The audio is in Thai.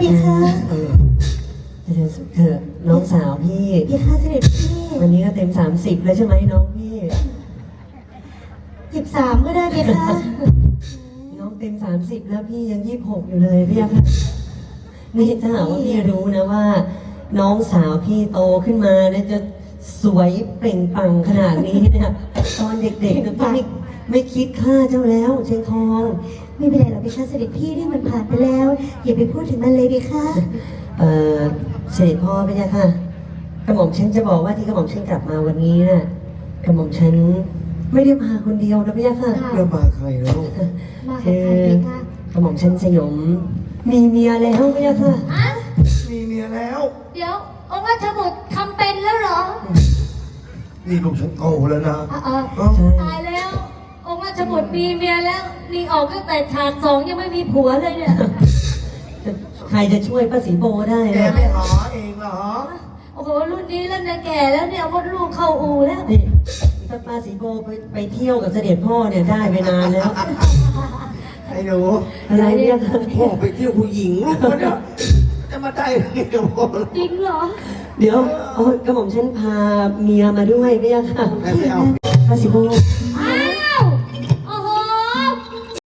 พี่คะเธอน้องสาวพี่พี่คะเสด็จพี่วันนี้ก็เต็ม30แล้วใช่ไหมน้องพี่ 13ก็ได้พี่คะน้องเต็ม30แล้วพี่ยัง26อยู่เลยพี่ค่ะนี่ถ้าหากว่าพี่รู้นะว่า น้องสาวพี่โตขึ้นมาเนี่ยจะสวยเปล่งปลั่งขนาดนี้เนี่ยตอนเด็กๆเนี่ยพี่ไม่คิดค่าเจ้าแล้วเชียงทองไม่เป็นไรหรอกพี่คะเสด็จพี่เรื่องมันผ่านไปแล้วอย่าไปพูดถึงมันเลยพี่คะเสด็จพ่อพี่ค่ะกระหม่อมฉันจะบอกว่าที่กระหม่อมฉันกลับมาวันนี้น่ะกระหม่อมฉันไม่ได้มาคนเดียวนะพี่ค่ะแล้วมาใครแล้วมาหาคือใครพี่คะกระหม่อมฉันสยมมีเมียแล้วพี่ค่ะอ่ะมีเมียแล้วเดี๋ยวองค์ราชบุตรทำเป็นแล้วเหรอนี่ลูกฉันโตแล้วนะใช่ตายแล้ว องค์ราชบุตรมีเมียแล้วนี่ออกตั้งแต่ฉาก2ยังไม่มีผัวเลยเนี่ยใครจะช่วยป้าสีโบได้แกนะไม่หาเองเหรอโอ้โหรุ่นนี้แล้วเนี่ยแก่แล้วเนี่ยมดลูกเข้าอูแล้วนี่ถ้าป้าสีโบไปเที่ยวกับเสด็จพ่อเนี่ยได้ไปนานแล้วไอ้หนูอะไรเนี่ยค่ะพ่อไปเที่ยวผู้หญิงลูกมันเนี่ยจะมาได้ไงกับพ่อจริงเหรอเดี๋ยวกระหม่อมฉันพาเมียมาด้วยพี่ค่ะไม่เอาป้าสีโบ